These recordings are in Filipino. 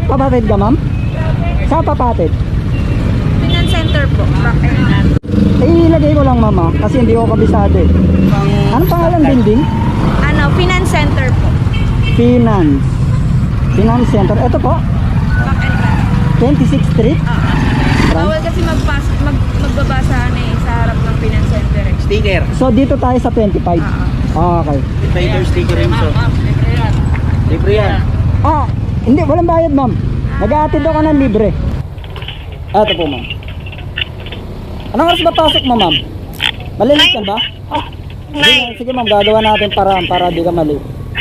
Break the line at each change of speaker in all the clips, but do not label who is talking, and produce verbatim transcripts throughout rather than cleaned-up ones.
Papatid ka, ma'am? Saan papatid?
Finance center po. Bakit?
Eh, ilagay ko lang, mama, kasi hindi ko kabisado eh. Anong pangalan building?
Ano, finance center po.
Finance. Finance Center. Ito po,
Back and back.
twenty-sixth Street.
Bawal kasi magpas mag magbabasa na eh sa harap ng finance center eh.
Sticker.
So, dito tayo sa twenty-five. Ah, okay.
Sticker, sticker rin so. Libre yan.
Ah, hindi, walang bayad, ma'am. Nag-aatid ako ng libre. Ito po, ma'am. Anong oras ba pasok mo, ma'am? Malilit ka ba? Sige, sige, ma'am, gagawa natin paraan para di ka mali.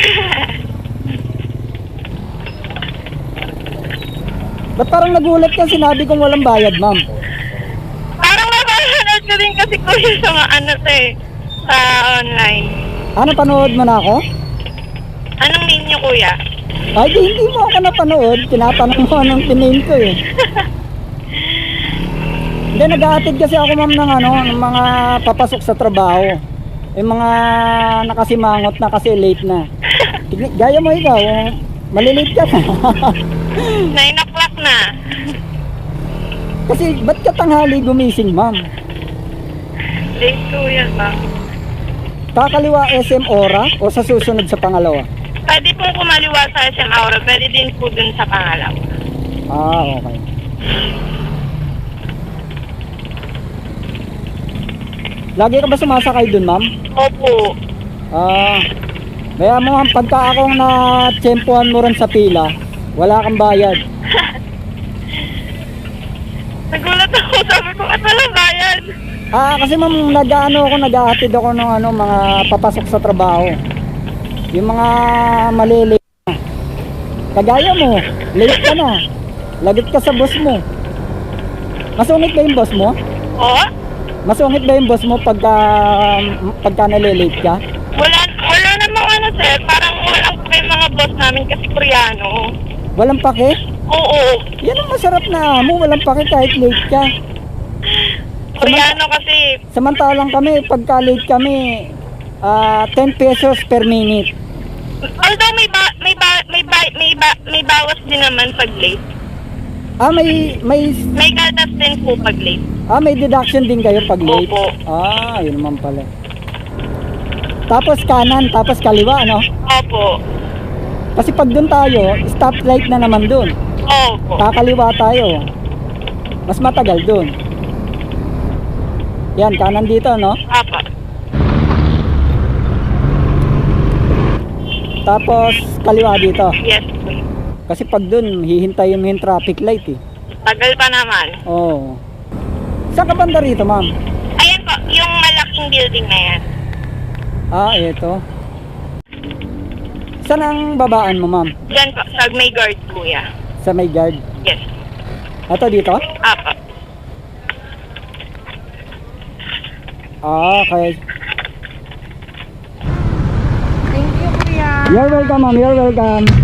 Ba't parang nagulat ka, sinabi kong walang bayad, ma'am?
Parang napapanood ko din kasi kuya sa mga ano to eh, sa online.
Ano, panood mo na ako?
Anong name niyo kuya?
Ay, di, hindi mo ako napanood. Tinatanong mo anong tinayin ko eh. Hindi, nag-aatid kasi ako, ma'am, ng ano, ng mga papasok sa trabaho. Yung mga nakasimangot na kasi late na. Tignan- Gaya mo ikaw, oh, malilate ka na.
nine o'clock na.
Kasi ba't ka tanghali gumising, ma'am?
Late kuya ba?
Kakaliwa S M Ora o sa susunod sa pangalawa?
Pwede po kumaliwa sa S M Aura, pwede din po dun sa pangalawa.
Ah, okay. Lagi ka ba sumasakay dun, ma'am?
Opo.
Ah, kaya mo, ma'am, pagka akong na-tsempuhan mo rin sa pila, wala kang bayad.
Nagulat ako, sabi ko, at walang bayad.
Ah, kasi ma'am, nag-ano ako, nag-aatid ako ng ano, mga papasok sa trabaho. Yung mga malilate na. Kagaya mo, late ka na. Lagit ka sa boss mo. Masungit ba yung boss mo?
Oo?
Masungit ba yung boss mo pagka, pagka nalilate ka?
Wala, wala namang ano sir, parang walang pa yung mga boss namin kasi Koreano.
Walang pake?
Oo.
Yan ang masarap na mo, walang pake kahit late ka.
Koreano kasi,
Samantalang kami, pagka late kami, ah, ten pesos per minute.
although may ba, may ba, may ba, may ba, may bawas din naman pag late.
Ah, may, may,
May gatas din po pag late.
ah, may deduction din kayo pag late?
Opo.
Ah, yun naman pala. Tapos kanan, tapos kaliwa, ano?
Opo.
Kasi pag dun tayo, stoplight na naman dun.
Opo.
Kakaliwa tayo. Mas matagal dun. Yan, kanan dito, no?
Apa.
Tapos kaliwa dito.
Yes.
Kasi pag dun, hihintayin mo yung traffic light eh.
Tagal pa naman.
Oo. Saan ka banda rito, ma'am?
Ayan po, yung malaking building na yan.
Ah, eto. Saan ang babaan mo, ma'am?
Diyan po, sa may guard kuya.
Sa may guard.
Yes.
Ito dito?
Apa.
Ah, okay.
Thank you, kuya.
You're welcome, ma'am. You're welcome.